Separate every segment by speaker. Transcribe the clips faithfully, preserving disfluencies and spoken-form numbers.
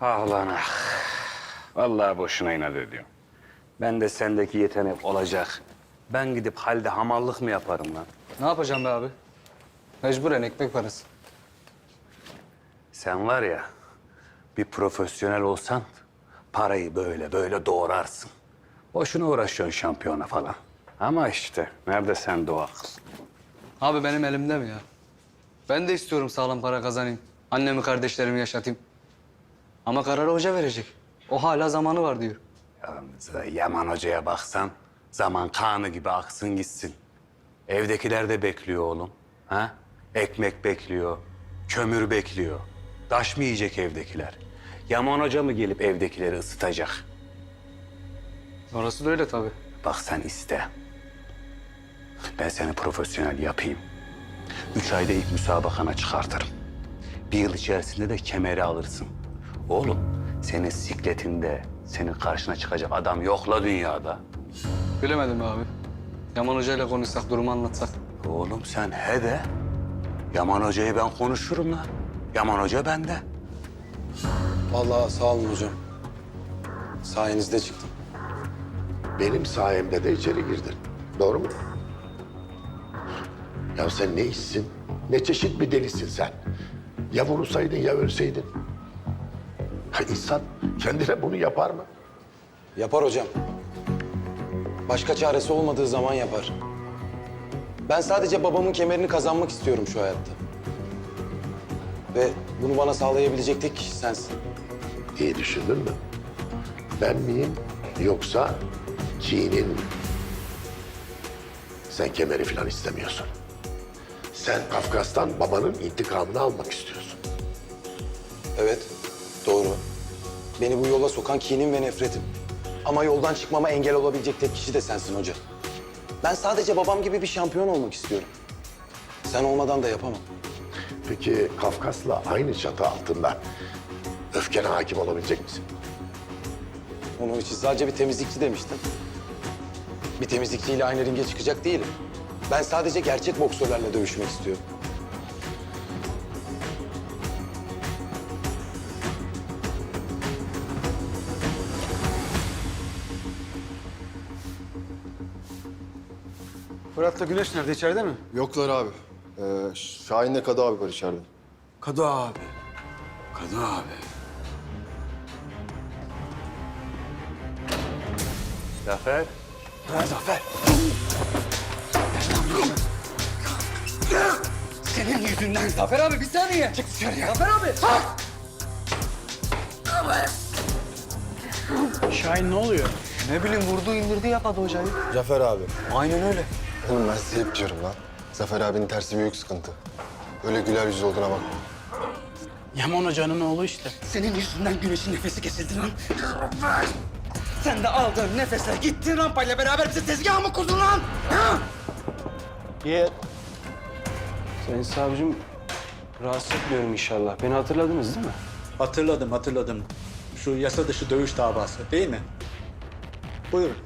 Speaker 1: Ah lan ah. Vallahi boşuna inat ediyorum. Ben de sendeki yetenek olacak. Ben gidip halde hamallık mı yaparım lan?
Speaker 2: Ne yapacağım be abi? Mecburen ekmek parası.
Speaker 1: Sen var ya, bir profesyonel olsan parayı böyle böyle doğrarsın. Boşuna uğraşıyorsun şampiyona falan. Ama işte nerede sende o akıl?
Speaker 2: Abi benim elimde mi ya? Ben de istiyorum sağlam para kazanayım. Annemi, kardeşlerimi yaşatayım. Ama kararı hoca verecek. O hala zamanı var diyor.
Speaker 1: Yalnız Yaman Hoca'ya baksan zaman kanı gibi aksın gitsin. Evdekiler de bekliyor oğlum. Ha? Ekmek bekliyor, kömür bekliyor. Taş mı yiyecek evdekiler? Yaman Hoca mı gelip evdekileri ısıtacak?
Speaker 2: Orası da öyle tabii.
Speaker 1: Bak sen iste. Ben seni profesyonel yapayım. Üç ayda ilk müsabakana çıkartırım. Bir yıl içerisinde de kemeri alırsın. Oğlum senin sikletinde senin karşına çıkacak adam yok la dünyada.
Speaker 2: Bilemedim be abi. Yaman Hoca ile konuşsak, durumu anlatsak.
Speaker 1: Oğlum sen he de. Yaman Hoca'yı ben konuşurum la. Yaman Hoca bende.
Speaker 3: Vallahi sağ olun hocam. Sayenizde çıktım.
Speaker 4: Benim sayemde de içeri girdin. Doğru mu? Ya sen ne işsin? Ne çeşit bir delisin sen? Ya vurulsaydın ya ölseydin. Ha insan kendine bunu yapar mı?
Speaker 3: Yapar hocam. Başka çaresi olmadığı zaman yapar. Ben sadece babamın kemerini kazanmak istiyorum şu hayatta. Ve bunu bana sağlayabilecek tek kişi sensin.
Speaker 4: İyi düşündün mü? Ben miyim yoksa Çin'in mi? Sen kemeri falan istemiyorsun. Sen Kafkas'tan babanın intikamını almak istiyorsun.
Speaker 3: Evet, doğru. Beni bu yola sokan kinim ve nefretim. Ama yoldan çıkmama engel olabilecek tek kişi de sensin hoca. Ben sadece babam gibi bir şampiyon olmak istiyorum. Sen olmadan da yapamam.
Speaker 4: Peki Kafkas'la aynı çatı altında öfkene hakim olabilecek misin?
Speaker 3: Onun için sadece bir temizlikçi demiştin. Bir temizlikçiyle aynı ringe çıkacak değilim. Ben sadece gerçek boksörlerle dövüşmek istiyorum.
Speaker 5: Fırat'la Güneş nerede? İçeride mi?
Speaker 6: Yoklar abi. Ee, Şahin'le Kadı abi var içeride.
Speaker 5: Kadı abi. Kadı abi.
Speaker 1: Zafer.
Speaker 5: Ha Zafer. Senin yüzünden.
Speaker 2: Zafer abi bir saniye.
Speaker 5: Çık dışarıya.
Speaker 2: Zafer abi.
Speaker 5: Şahin ne oluyor?
Speaker 2: Ne bileyim vurdu indirdi yapadı hocayı.
Speaker 6: Zafer abi.
Speaker 2: Aynen öyle.
Speaker 6: Oğlum ben size hep diyorum lan. Zafer abinin tersi büyük sıkıntı. Öyle güler yüzlü olduğuna bakma.
Speaker 5: Yaman Hoca'nın oğlu işte. Senin yüzünden Güneş'in nefesi kesildi lan. Sen de aldığın nefesle gittin rampayla beraber bize tezgah mı kurdun lan? Ha?
Speaker 7: Ye. Sayın savcım, rahatsız etmiyorum inşallah. Beni hatırladınız değil mi?
Speaker 8: Hatırladım, hatırladım. Şu yasa dışı dövüş davası değil mi? Buyurun.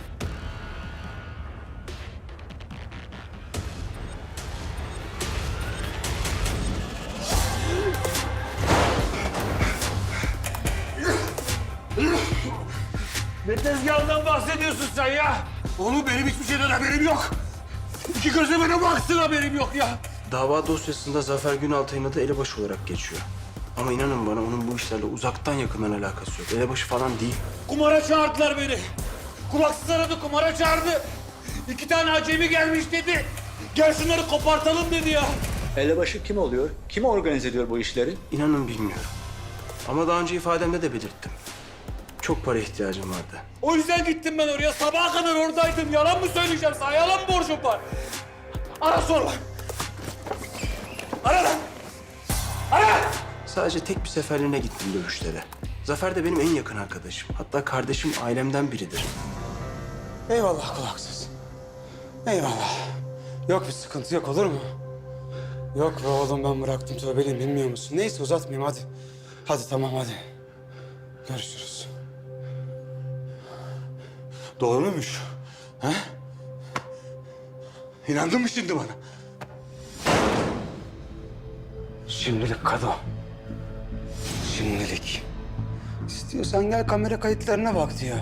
Speaker 5: Ne tezgahından bahsediyorsun sen ya? Oğlum benim hiçbir şeyden haberim yok. İki gözle bana baksın haberim yok ya.
Speaker 7: Dava dosyasında Zafer Günaltay'ın adı elebaşı olarak geçiyor. Ama inanın bana onun bu işlerle uzaktan yakından alakası yok. Elebaşı falan değil.
Speaker 5: Kumara çağırdılar beni. Kulaksız aradı, kumara çağırdı. İki tane acemi gelmiş dedi. Gel şunları kopartalım dedi ya.
Speaker 8: Elebaşı kim oluyor? Kim organize ediyor bu işleri?
Speaker 7: İnanın bilmiyorum. Ama daha önce ifademde de belirttim. Çok para ihtiyacım vardı.
Speaker 5: O yüzden gittim ben oraya. Sabaha kadar oradaydım. Yalan mı söyleyeceğim sana? Yalan mı borcum var? Ara sorma. Ara lan. Ara.
Speaker 7: Sadece tek bir seferliğine gittim dövüşlere. Zafer de benim en yakın arkadaşım. Hatta kardeşim ailemden biridir.
Speaker 5: Eyvallah kulaksız. Eyvallah. Yok bir sıkıntı yok olur mu? Yok be oğlum ben bıraktım tövbeliyim bilmiyor musun? Neyse uzatmayayım hadi. Hadi tamam hadi. Görüşürüz. Doğru muymuş? Ha? İnandın mı şimdi bana? Şimdilik Kado. Şimdilik. İstiyorsan gel kamera kayıtlarına bak diyor.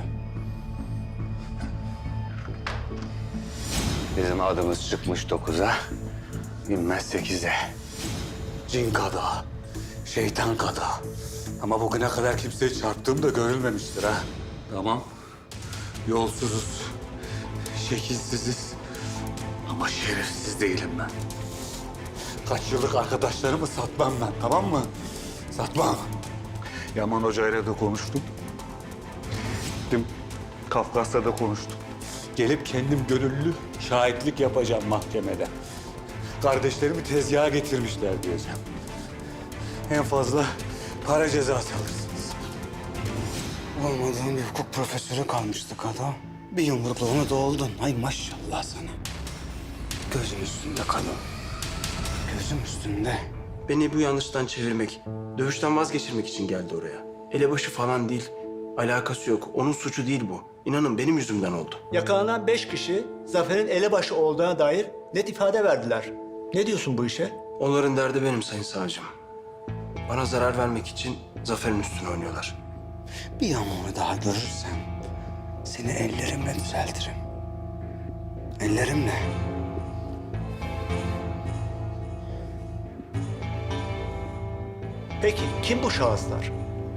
Speaker 1: Bizim adımız çıkmış dokuza, inmez sekize. Cin kada, şeytan kada. Ama bugüne kadar kimseye çarptığım da görülmemiştir ha. Tamam, yolsuzuz, şekilsiziz ama şerefsiz değilim ben. Kaç yıllık arkadaşlarımı satmam ben, tamam mı? Satmam. Yaman Hoca ile de konuştum. Gittim, Kafkas'ta da konuştum. Gelip kendim gönüllü şahitlik yapacağım mahkemede. Kardeşlerimi tezgaha getirmişler diyeceğim. En fazla para cezası alırsınız.
Speaker 5: Olmadığın bir hukuk profesörü kalmıştı Kado. Bir yumrukla onu doldun. Ay maşallah sana. Gözüm üstünde Kado. Gözüm üstünde.
Speaker 7: Beni bu yanlıştan çevirmek, dövüşten vazgeçirmek için geldi oraya. Elebaşı falan değil. Alakası yok. Onun suçu değil bu. İnanın benim yüzümden oldu.
Speaker 8: Yakalanan beş kişi Zafer'in elebaşı olduğuna dair net ifade verdiler. Ne diyorsun bu işe?
Speaker 7: Onların derdi benim sayın savcım. Bana zarar vermek için Zafer'in üstüne oynuyorlar.
Speaker 5: Bir yamuğu daha görürsem seni ellerimle düzeltirim. Ellerimle.
Speaker 8: Peki kim bu şahıslar?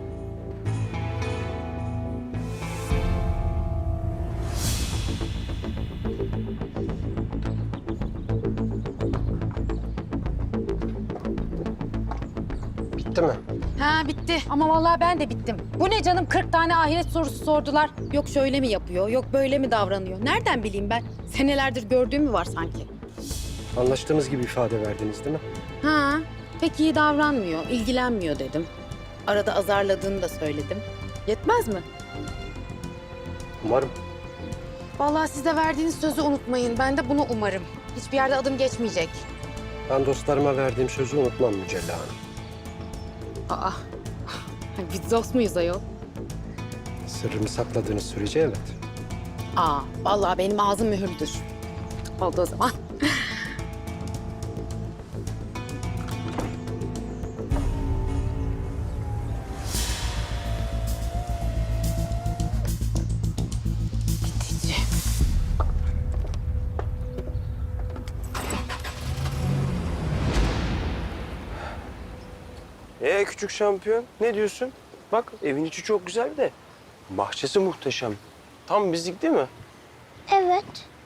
Speaker 6: Bitti mi?
Speaker 9: Ha bitti ama vallahi ben de bittim. Bu ne canım kırk tane ahiret sorusu sordular. Yok şöyle mi yapıyor, yok böyle mi davranıyor? Nereden bileyim ben? Senelerdir gördüğüm mü var sanki?
Speaker 10: Anlaştığımız gibi ifade verdiniz değil mi?
Speaker 9: Ha pek iyi davranmıyor, ilgilenmiyor dedim. Arada azarladığını da söyledim. Yetmez mi?
Speaker 10: Umarım.
Speaker 9: Vallahi size verdiğiniz sözü unutmayın. Ben de bunu umarım. Hiçbir yerde adım geçmeyecek.
Speaker 10: Ben dostlarıma verdiğim sözü unutmam Mücella Hanım.
Speaker 9: Aa, biz dost muyuz ayol?
Speaker 10: Sırrımı sakladığınız sürece evet.
Speaker 9: Aa, vallahi benim ağzım mühürdür. Oldu o zaman. Gidici.
Speaker 7: Ee küçük şampiyon ne diyorsun? Bak evin içi çok güzel de bahçesi muhteşem. Tam bizlik değil mi?
Speaker 11: Evet.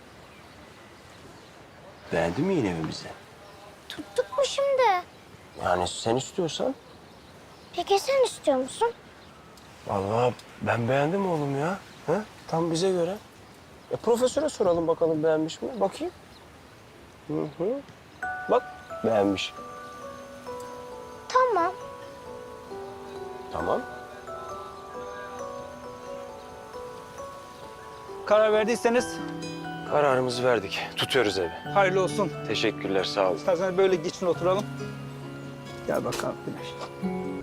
Speaker 7: Beğendin mi yine evimizi?
Speaker 11: Tuttuk mu şimdi?
Speaker 7: Yani sen istiyorsan.
Speaker 11: Peki sen istiyor musun?
Speaker 7: Vallahi ben beğendim oğlum ya. Ha? Tam bize göre. E, profesöre soralım bakalım beğenmiş mi? Bakayım. Hı hı. Bak beğenmiş.
Speaker 11: Tamam.
Speaker 7: Tamam.
Speaker 8: Karar verdiyseniz
Speaker 7: Kararımızı verdik. Tutuyoruz evi.
Speaker 8: hayırlı olsun.
Speaker 7: Teşekkürler sağ olun.
Speaker 8: İstersen böyle geçin oturalım. Gel bakalım Güneş.